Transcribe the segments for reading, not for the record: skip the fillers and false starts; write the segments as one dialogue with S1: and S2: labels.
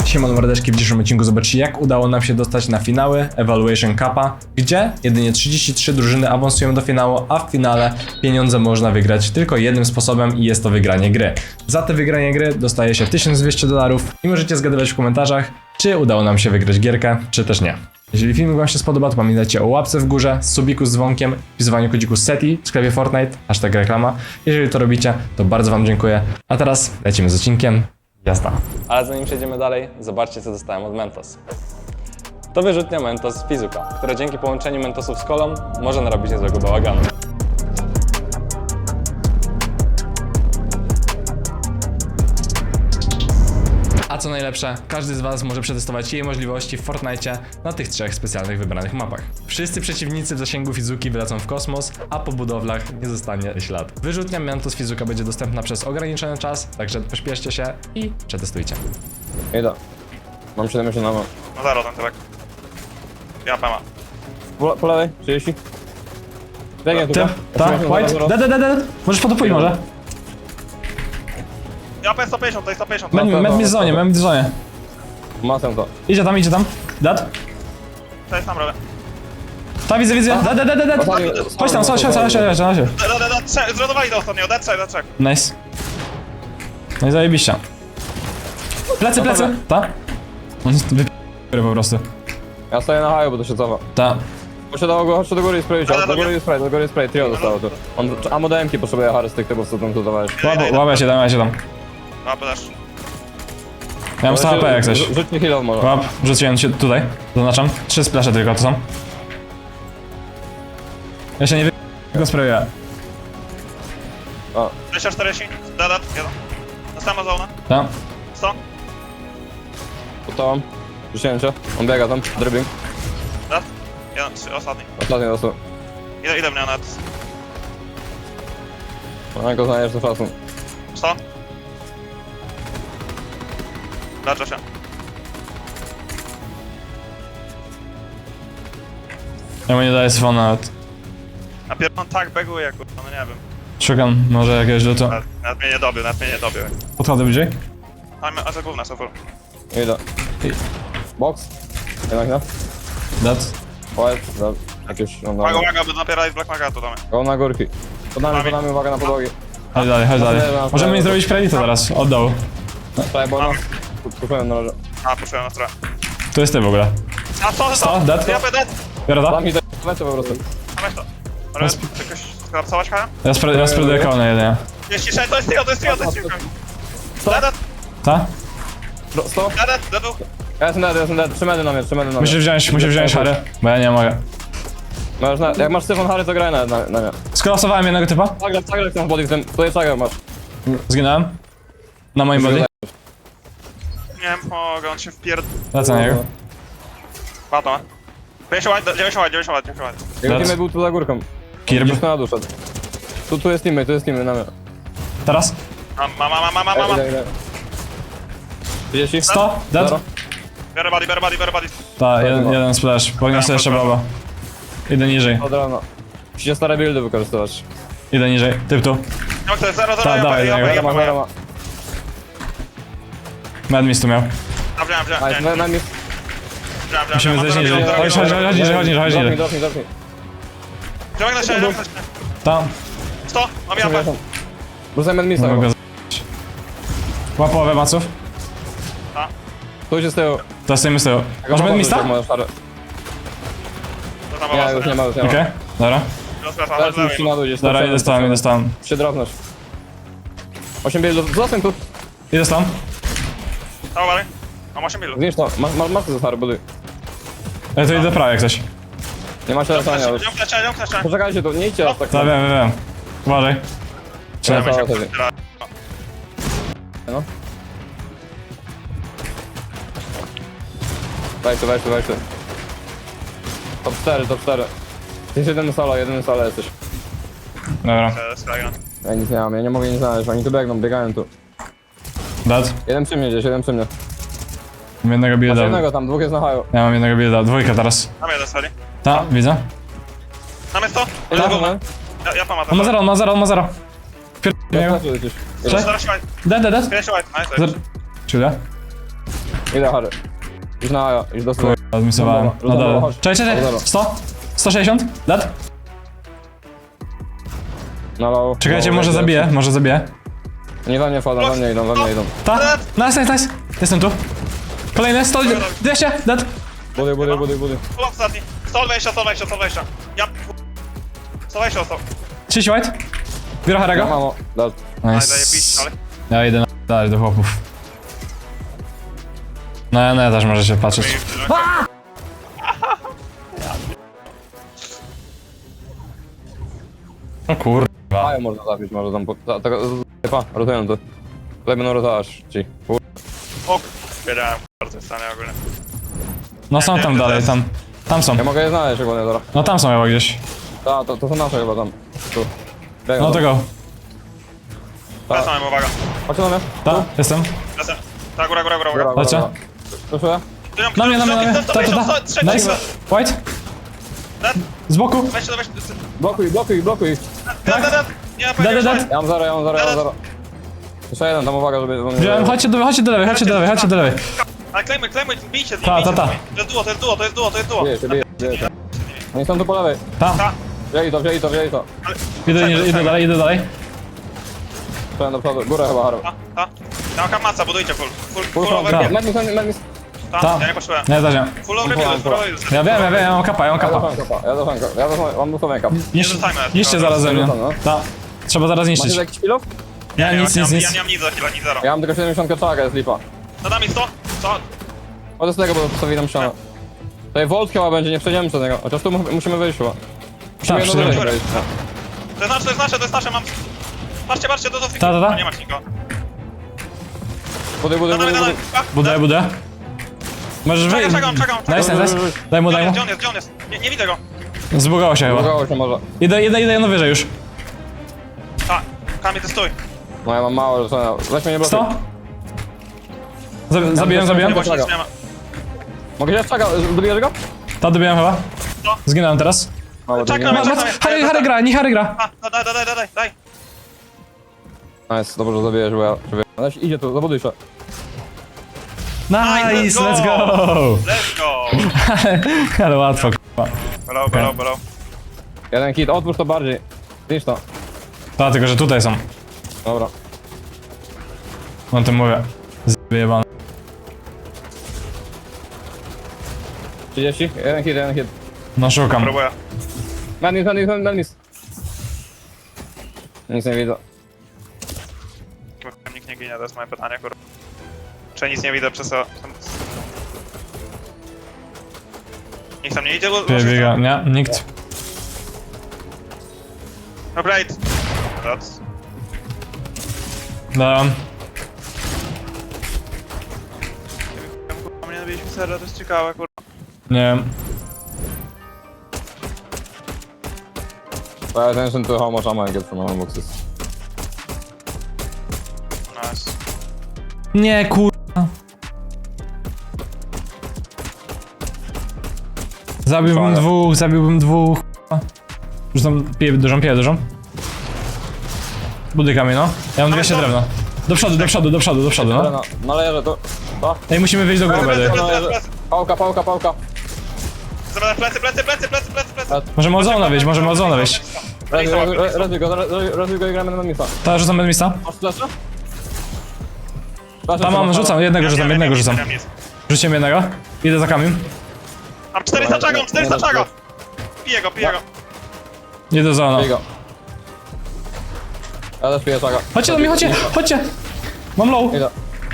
S1: Siemano mordeczki, w dzisiejszym odcinku zobaczcie, jak udało nam się dostać na finały Evaluation Cupa, gdzie jedynie 33 drużyny awansują do finału, a w finale pieniądze można wygrać tylko jednym sposobem i jest to wygranie gry. Za te wygranie gry dostaje się $1200 i możecie zgadywać w komentarzach, czy udało nam się wygrać gierkę, czy też nie. Jeżeli filmik wam się spodoba, to pamiętajcie o łapce w górze, subiku z dzwonkiem, wpisywaniu kodziku SETI w sklepie Fortnite, hashtag reklama. Jeżeli to robicie, to bardzo wam dziękuję. A teraz lecimy z odcinkiem. Jazda. Ale zanim przejdziemy dalej, zobaczcie, co dostałem od Mentos. To wyrzutnia Mentos z Fizuka, która dzięki połączeniu Mentosów z kolą może narobić niezłego bałaganu. A co najlepsze, każdy z was może przetestować jej możliwości w Fortnite na tych 3 specjalnych wybranych mapach. Wszyscy przeciwnicy w zasięgu Fizuki wylecą w kosmos, a po budowlach nie zostanie ślad. Wyrzutnia Mentos Fizuka będzie dostępna przez ograniczony czas, także pośpieszcie się i przetestujcie.
S2: Idę. Mam 70 na
S3: No zero ten tyłek. Ja pema.
S2: po lewej, 30. Biegnie
S1: Ty?
S2: tutaj.
S1: Tak? White? Dead. Możesz podopuj może?
S3: Ja pem 150, to jest 150.
S1: Med mi w zonie.
S2: Masę to.
S1: Idzie tam. Dead?
S3: To jest tam robię.
S1: Ta widzę. Dead. Chodź tam, chodź.
S3: Zrodowali do ostatniego, dead check.
S1: Nice. No i zajebiście. Plecy. Ta? On jest wyp***y po prostu.
S2: Ja stoję na haju, bo to się cofa.
S1: Ta.
S2: Chodź do góry i spray, do góry i spray, trio zostało tu. On ammo do M-ki potrzebuje Harry z tych typów, co tam tu dawałeś.
S1: Łapę się tam.
S3: No też.
S1: Ja mam 100 HP jak coś.
S2: Rzuć mi heal'ów może.
S1: Łap, rzuciłem się tutaj. Zaznaczam. 3 splasze tylko to są. Ja się nie wy... go sprayuję.
S2: O,
S3: 240, dead, jeden. Następna zona.
S1: Ta.
S3: 100,
S2: pod tobą. Rzuciłem cię. On biega tam, dribbling.
S3: dead. Jeden, 3, ostatni.
S2: Ostatni dostał.
S3: Ile mnie net?
S2: No, go znajdziesz do czasu.
S3: 100. Leczę się.
S1: Ja mu nie daję sfona nawet.
S3: A pierdolę tak beguje, kurwa, no nie wiem.
S1: Szukam może jakiegoś rzutu.
S3: Nawet mnie nie dobił.
S1: Podchodzę bliżej.
S3: A za gówna są full.
S2: Idę. Box. Jednak nie?
S1: Dead.
S2: White, dead. Jakieś, no dobra.
S3: Uwaga, by napierali z Black Maga tu damy.
S2: Go na górki. Pod nami, uwaga na podłogi.
S1: Chodź dalej. Możemy mi zrobić kredyt teraz, od dołu.
S2: Czekaj, bo no. Kupiłem na razie.
S3: A, puszyłem na stronę.
S1: Tu jest ty w ogóle.
S3: A co?
S1: Co? Dead?
S3: Ja dead.
S1: Biorę to?
S2: Tam mi lecę po prostu.
S3: A weź to. Ale jakoś skolapsować Kaja?
S1: Ja spróbuję kołnę jedynie.
S3: 36, to jest trio. Dead.
S1: Ta?
S2: 100?
S3: Dead.
S2: Ja jestem dead. 3 medy na mnie.
S1: Musisz wziąć Harry, bo ja nie mogę.
S2: Jak masz Stefan Harry, to graj na mnie.
S1: Skolapsowałem jednego typa.
S2: Zagraj ten body, tutaj zagraj masz.
S1: Zginąłem. Na moim body.
S3: Nie wiem, mogę, on się wpierd...
S1: Lecę na niego.
S3: Pato, 90 lat.
S2: Jego teammate był tu za górką.
S1: Kirb.
S2: Gdzieś na dół szedł. Tu jest teammate na mnie.
S1: Teraz?
S3: Mama.
S2: Idę. 30?
S1: 100? Dead?
S2: Zero.
S3: Biorę body.
S1: Ta, jeden splash. Podniosę jeszcze baba. Idę niżej.
S2: Od rana. Musicie stare buildy wykorzystywać.
S1: Idę niżej. Typ tu.
S3: No to jest 0,
S1: Tak, dawaj,
S2: Zero ma.
S1: Madmis tu miał.
S3: Wziąłem.
S2: Na mnie.
S1: Musimy zejść niżej. Chodź niżej.
S2: Dropnij.
S3: Wziąłem na siebie.
S1: Tam.
S3: 100, mam japę.
S2: Rzucaj medmisa.
S1: Mogę go Łap połowę maców.
S2: Tu się z tyłu.
S1: To stoimy z tyłu. Masz medmista?
S2: Nie, już nie ma.
S1: Okej, dobra.
S2: Teraz już na dół gdzieś.
S1: Dobra, idę stąd.
S2: Się dropnąć. 8 buildów. Zostań tu.
S1: Idę stąd.
S3: Mam 8 milów.
S2: Zniszcz to. Masz to stary buduj.
S1: Ja tu idę prawie jak coś.
S2: Nie macie latania już.
S3: Ją kleszczę.
S2: Poczekajcie tu, nie idźcie aż tak.
S1: No wiem. Uważaj.
S2: Trzeba wtedy. No. Wejdź. Top 4. Jest jeden solo jesteś.
S1: Dobra.
S2: Ja nic nie mam, ja nie mogę nic znaleźć, oni tu biegają tu.
S1: Dead.
S2: Jeden przy mnie.
S1: Mam jednego
S2: Masz
S1: builda.
S2: jednego tam, dwóch jest na haju.
S1: Ja mam jednego builda. Dwójka teraz.
S3: Mamy jeden sali.
S1: Ta, widzę.
S3: Mamy 100. Ja pama
S1: On ma zero. Pierdolę.
S2: Gdzieś.
S1: Cześć.
S3: Zaraz się
S1: Dead.
S3: Finish white, nice.
S1: Czyli?
S2: Idę, Harry. Idź na Aja, idź do stołu.
S1: Odmisowałem. No
S2: Dobra,
S1: dobra.
S2: chodź.
S1: Czekaj.
S2: Dobra.
S1: 100? 160? Dead?
S2: Na low.
S1: Czekajcie,
S2: Low,
S1: może
S2: idę.
S1: zabiję, może zabiję.
S2: Nie do mnie wchodzą, do mnie idą, do mnie idą.
S1: Ta? Nice. Jestem tu. Kolejny, 100, 200, dead.
S2: Budy.
S3: Pull up ostatni. 120. Ja... 120 ostał.
S1: 30 white. Biorę
S2: Ja
S1: Harego.
S2: mamo. Dal.
S3: Ale zajebiście, ale...
S1: Ja idę dalej do chłopów. No ja też możecie patrzeć. O kurwa.
S2: Aja można zabić, może tam... Pa, rotują to. Tutaj będą rotować ci.
S3: O, wiedziałem, bardzo jest stanie ogólnie.
S1: No są tam dalej, tam. Tam są.
S2: Ja mogę je znaleźć ogólnie zaraz.
S1: No tam są chyba gdzieś.
S2: Ta, to są nasze chyba tam. Tu. Biegną
S1: No
S2: tam.
S1: to go.
S3: Wracamy, uwaga.
S2: Chodźcie do mnie.
S1: Ta, jestem.
S3: Lecę. Ta, góra.
S1: Chodźcie.
S2: Proszę.
S1: Na mnie. Ta. Nice. White.
S3: Dead.
S1: Z boku.
S3: Weź to.
S2: Blokuj.
S3: Dead. Nie ma pojęcia.
S1: Dead.
S2: Ja mam zero. Jeszcze jeden, tam uwaga, żeby...
S1: Wziąłem, chodźcie do lewej.
S3: Ale klejmy, bijcie z nim,
S1: Ta.
S3: bijcie z nim. To jest duo.
S2: Bije się. Oni są tu po lewej.
S1: Ta.
S3: Ta.
S2: Wzięli to.
S1: Idę dalej.
S2: Przejdź do przodu. Górę chyba, Haru.
S3: Ta. Ja mam kamaca, budujcie full
S2: Kurwa,
S3: over.
S2: medmis.
S3: Ta, ja nie potrzebuję.
S1: Nie, też nie.
S3: Full over build.
S1: Ja wiem, ja mam kapa.
S2: Ja mam dosłownie.
S1: Niszcie zaraz ze mnie. Ta. Trzeba zaraz
S2: Macie
S1: niszczyć.
S2: jakiś pilów?
S1: Nie, nic.
S3: Ja nie mam nic za chwilę, nic zero.
S2: Ja mam tylko 70 czaga, jest lipa.
S3: Nad nami 100.
S2: Chodzę z tego, bo postawili nam ścianę. Tutaj Volt chyba będzie, nie przejdziemy przez niego. Chociaż tu musimy wyjść chyba.
S1: Tak,
S2: Musimy jedno
S1: przyjdziemy.
S2: wyjść.
S3: To jest nasze, mam... Patrzcie, do fiki.
S1: Ta.
S3: Nie masz nikogo.
S2: Budy.
S1: Budę. Możesz wyjść.
S3: Czekam.
S1: Nice. Daj mu.
S3: Gdzie on jest? Nie widzę go.
S1: Zbugało się chyba.
S2: Udało się może.
S1: Idę no wyżej już.
S3: Ta, Kamil, ty stój.
S2: No ja mam mało, że weź mnie nie blokuj.
S1: 100? Zabiłem.
S3: Nie ma, nic nie ma.
S2: Mogę się czaga, dobijesz go?
S1: Ta dobiłem chyba.
S3: No.
S1: Zginąłem teraz.
S3: Czekam.
S1: Harry gra.
S3: A, daj.
S2: Nice, dobrze, że zabijesz, bo ja... Ale idzie tu, zabuduj się.
S1: Nice, let's go!
S3: Let's go.
S1: Ale łatwo, k***a.
S3: Below.
S2: Jeden hit, otwórz to bardziej. Zniszcz to.
S1: Ta, tylko że tutaj są.
S2: Dobra.
S1: No to mówię. Zjebane.
S2: 30, jeden hit.
S1: No szukam.
S3: Próbuję.
S2: Madness. Nic nie widzę.
S3: Nikt nie ginie, to jest moje pytanie, kurwa. Czy nic nie widzę przez to? Nikt tam nie idzie, bo...
S1: Biega, nie, nikt.
S3: No great. That's...
S1: Dałem.
S3: Kurwa, mnie nabiliśmy serra, to jest ciekawe, kurwa.
S1: Nie wiem.
S2: Pay attention to how much ammo I get from my boxes.
S3: Nice.
S1: Nie, kurwa. Zabiłbym dwóch. Rzucam dużą. Buduj kamień, no. Ja mam 200 drewna. Do przodu, no.
S2: No leżę to. To.
S1: Ej, musimy wyjść do góry, będę.
S2: Pałka.
S3: Plecy.
S1: Możemy od zona wyjść,
S2: Rozwij go i gramy na misa.
S1: Ta, rzucam bez miejsca.
S2: Masz flasha?
S1: Tam mam, jednego rzucam.
S3: Nic.
S1: Rzuciłem jednego. Idę za kamień.
S3: Mam 400 czagą. Piję go.
S1: Idę do zona.
S2: Bij go. Ja też piję czaga.
S1: Chodźcie do mnie, chodźcie! Mam low.
S2: Idę.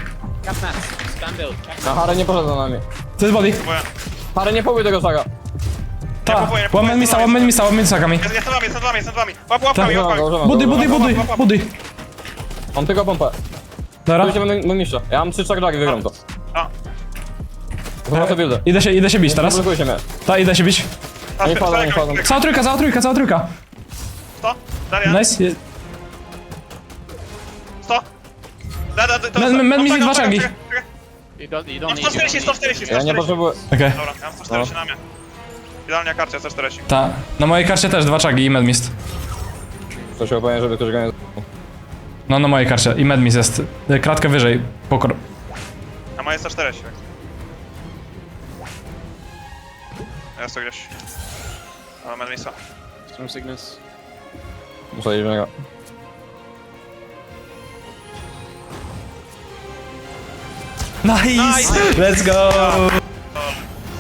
S2: Na Harry nie poszedł za nami.
S1: To jest body.
S3: Próbuję.
S2: Harry nie próbuj tego czaga.
S1: Ta, łamę misa kamień.
S3: Jestem z wami. Łap łapkami.
S1: Buduj.
S2: Mam tylko pompę.
S1: Dobra.
S2: Tu się będę niszczę. Ja mam 3 czagdagi, wygram to.
S3: A,
S2: To ma to buildę.
S1: Idę się bić teraz.
S2: Blokujcie mnie.
S1: Ta, idę się bić.
S2: Nie wchodzą.
S1: Cała trójka.
S3: 100. Darian.
S1: Nice.
S3: 100.
S1: Med mi dwa czagi.
S4: You don't
S3: Mam
S4: need
S3: 140.
S2: Ja nie potrzebuję.
S1: Okej.
S3: Dobra, ja mam 140 na mnie. Idealnie karcie 140.
S1: Ta, na mojej karcie też 2 czagi i medmist.
S2: To się opowiem, żeby ktoś go nie...
S1: No na mojej karcie i medmist jest. Kratkę wyżej.
S3: Na moje 140. Jest to gdzieś. Mam Enmisa.
S4: Storm Sickness.
S2: Muszę iść w niego.
S1: Nice! Let's go!